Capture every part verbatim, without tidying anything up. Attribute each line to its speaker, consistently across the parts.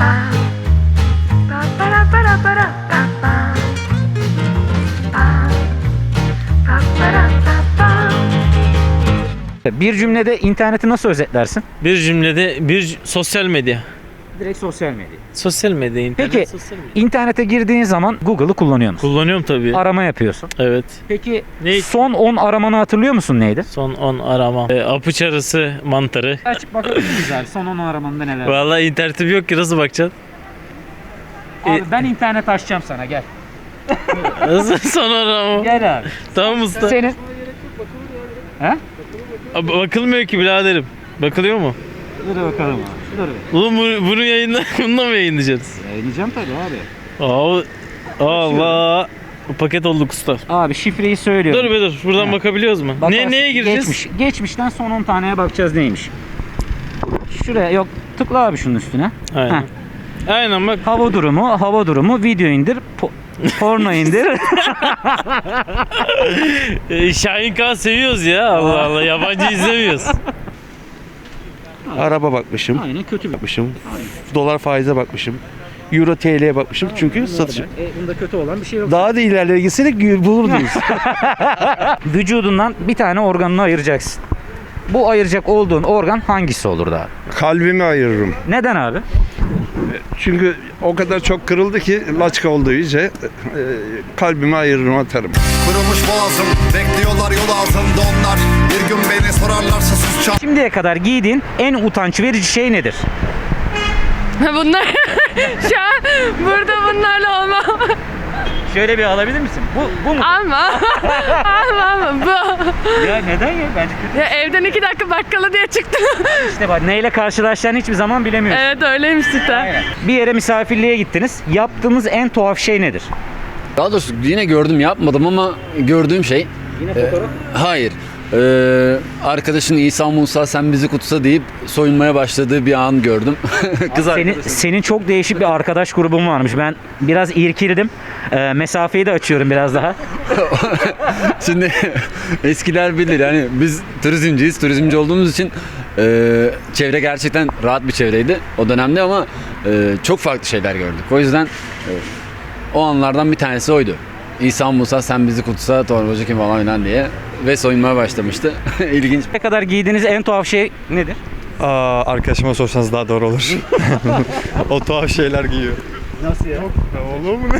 Speaker 1: Bir cümlede interneti nasıl özetlersin?
Speaker 2: Bir cümlede bir sosyal medya.
Speaker 1: Direkt sosyal medya.
Speaker 2: Sosyal medya, internet,
Speaker 1: Peki
Speaker 2: sosyal medya.
Speaker 1: internete girdiğin zaman Google'ı kullanıyor musun?
Speaker 2: Kullanıyorum tabii.
Speaker 1: Arama yapıyorsun.
Speaker 2: Evet.
Speaker 1: Peki
Speaker 2: Ne?
Speaker 1: son on aramanı hatırlıyor musun neydi?
Speaker 2: Son on arama. E, apıç arısı mantarı.
Speaker 1: Açıp bakabilir miyiz abi son on aramanda neler var?
Speaker 2: Vallahi internetim yok ki, nasıl bakacaksın?
Speaker 1: Abi ben internet açacağım sana gel.
Speaker 2: Nasıl son arama?
Speaker 1: Gel abi.
Speaker 2: Tamam usta.
Speaker 1: Senin... He?
Speaker 2: Abi, bakılmıyor ki biraderim. Bakılıyor mu?
Speaker 1: Dur bakalım abi. Dur bir.
Speaker 2: Oğlum bunu, bunu yayınla, bununla mı yayınlayacağız?
Speaker 1: Yayınlayacağım tabii abi.
Speaker 2: Aa, Allah. Paket olduk usta.
Speaker 1: Abi şifreyi söylüyorum.
Speaker 2: Dur be dur. Buradan
Speaker 1: Ha.
Speaker 2: bakabiliyoruz mu?
Speaker 1: Bakarsın.
Speaker 2: Ne, neye gireceğiz?
Speaker 1: Geçmiş. Geçmişten son on taneye bakacağız neymiş. Şuraya yok. Tıkla abi şunun üstüne.
Speaker 2: Aynen.
Speaker 1: Heh.
Speaker 2: Aynen bak.
Speaker 1: Hava durumu, hava durumu, video indir, po- porno indir.
Speaker 2: E, Şahin K seviyoruz ya. Allah Allah. Yabancı izlemiyoruz.
Speaker 3: Araba bakmışım,
Speaker 1: Aynen kötü bir.
Speaker 3: bakmışım. Dolar faize bakmışım. Euro T L'ye bakmışım çünkü satışım.
Speaker 1: E, bunda kötü olan bir şey yok.
Speaker 3: Daha da ilerlere gitseydik bulurdunuz.
Speaker 1: Vücudundan bir tane organını ayıracaksın. Bu ayıracak olduğun organ hangisi olurdu abi?
Speaker 4: Kalbimi ayırırım.
Speaker 1: Neden abi?
Speaker 4: Çünkü o kadar çok kırıldı ki laçka olduğu iyice e, kalbimi ayırırım, atarım.
Speaker 5: Kırılmış boğazım, bekliyorlar yol altında onlar. Bir gün beni sorarlarsa susacağım.
Speaker 1: Şimdiye kadar giydiğin en utanç verici şey nedir?
Speaker 6: Bunlar şu an burada bunlarla olmam.
Speaker 1: Şöyle bir alabilir misin? Bu, bu mu?
Speaker 6: Alma. Alma alma. Bu.
Speaker 1: Ya neden ya? Bence kötü.
Speaker 6: Ya evden iki dakika bakkala diye çıktım.
Speaker 1: İşte bak neyle karşılaşacağını hiçbir zaman bilemiyorsun.
Speaker 6: Evet öyleymiş cidden.
Speaker 1: Aynen. Bir yere misafirliğe gittiniz. Yaptığınız en tuhaf şey nedir?
Speaker 7: Daha doğrusu yine gördüm, yapmadım ama gördüğüm şey
Speaker 1: Yine fotoğraf.
Speaker 7: hayır. Ee, arkadaşın İsa Musa sen bizi kutsa deyip soyunmaya başladığı bir an gördüm. Kız
Speaker 1: Senin,
Speaker 7: arkadaşım.
Speaker 1: senin çok değişik bir arkadaş grubun varmış. Ben biraz irkildim. Ee, mesafeyi de açıyorum biraz daha.
Speaker 7: Şimdi eskiler bilir, yani biz turizmciyiz. Turizmci olduğumuz için e, çevre gerçekten rahat bir çevreydi o dönemde ama e, çok farklı şeyler gördük. O yüzden e, o anlardan bir tanesi oydu. İsa Musa sen bizi kutsa torbacı kim falan filan diye ve soyunmaya başlamıştı. İlginç.
Speaker 1: Ne kadar giydiğiniz en tuhaf şey nedir?
Speaker 8: Aa, arkadaşıma sorsanız daha doğru olur. O tuhaf şeyler giyiyor.
Speaker 1: Nasıl ya?
Speaker 4: Olur mu ne?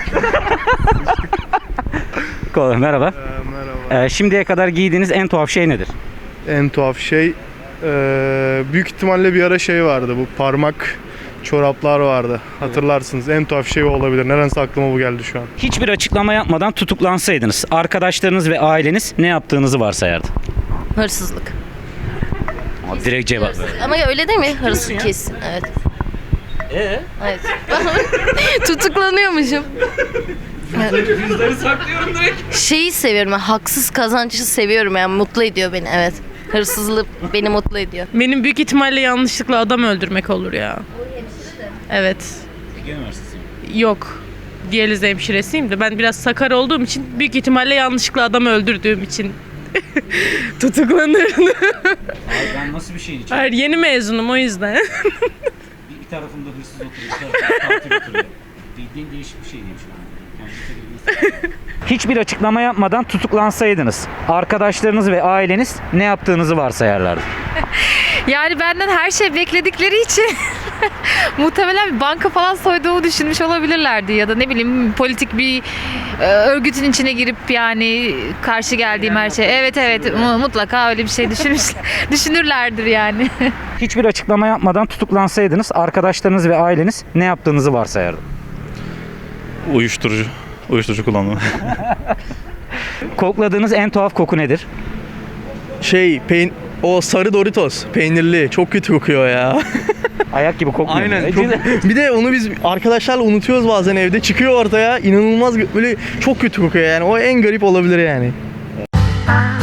Speaker 1: Kolay, merhaba.
Speaker 4: Merhaba.
Speaker 1: Ee, şimdiye kadar giydiğiniz en tuhaf şey nedir?
Speaker 4: En tuhaf şey, e, büyük ihtimalle bir ara şey vardı, bu parmak çoraplar vardı. Hatırlarsınız. En tuhaf şey o olabilir. Nedense aklıma bu geldi şu an.
Speaker 1: Hiçbir açıklama yapmadan tutuklansaydınız, arkadaşlarınız ve aileniz ne yaptığınızı varsayardı?
Speaker 9: Hırsızlık.
Speaker 1: Ama direkt cevap ver.
Speaker 9: Ama öyle değil mi? Hırsız kesin. Evet.
Speaker 1: Ee?
Speaker 9: Evet. Tutuklanıyormuşum.
Speaker 1: Cüzdanı saklıyorum direkt.
Speaker 9: Şeyi seviyorum. Ben, haksız kazancı seviyorum yani, mutlu ediyor beni. Evet. Hırsızlık beni mutlu ediyor.
Speaker 6: Benim büyük ihtimalle yanlışlıkla adam öldürmek olur ya. Evet.
Speaker 1: Ege Üniversitesi.
Speaker 6: Yok. Diyaliz hemşiresiyim de ben biraz sakar olduğum için büyük ihtimalle yanlışlıkla adam öldürdüğüm için tutuklanırdım.
Speaker 1: Ben nasıl bir şeyin için?
Speaker 6: Hayır, yeni mezunum o yüzden.
Speaker 1: Bir, bir tarafında hırsız oturuyor, bir tarafında katil oturuyor. Bildiğin değişik bir şey diyeyim şu an. Hiçbir açıklama yapmadan tutuklansaydınız, arkadaşlarınız ve aileniz ne yaptığınızı varsayarlardı?
Speaker 10: Yani benden her şey bekledikleri için muhtemelen bir banka falan soyduğumu düşünmüş olabilirlerdi ya da ne bileyim politik bir e, örgütün içine girip yani karşı geldiğim her şey. Evet evet mu- mutlaka öyle bir şey düşünmüş düşünürlerdir yani.
Speaker 1: Hiçbir açıklama yapmadan tutuklansaydınız, arkadaşlarınız ve aileniz ne yaptığınızı varsayardı?
Speaker 8: Uyuşturucu. Uyuşturucu kullanımı.
Speaker 1: Kokladığınız en tuhaf koku nedir?
Speaker 3: Şey, peyn o sarı Doritos, peynirli. Çok kötü kokuyor ya.
Speaker 1: Ayak gibi kokmuyor.
Speaker 3: Aynen.
Speaker 1: mu?
Speaker 3: Çok, bir de onu biz arkadaşlarla unutuyoruz bazen evde. Çıkıyor ortaya. İnanılmaz böyle çok kötü kokuyor yani. O en garip olabilir yani.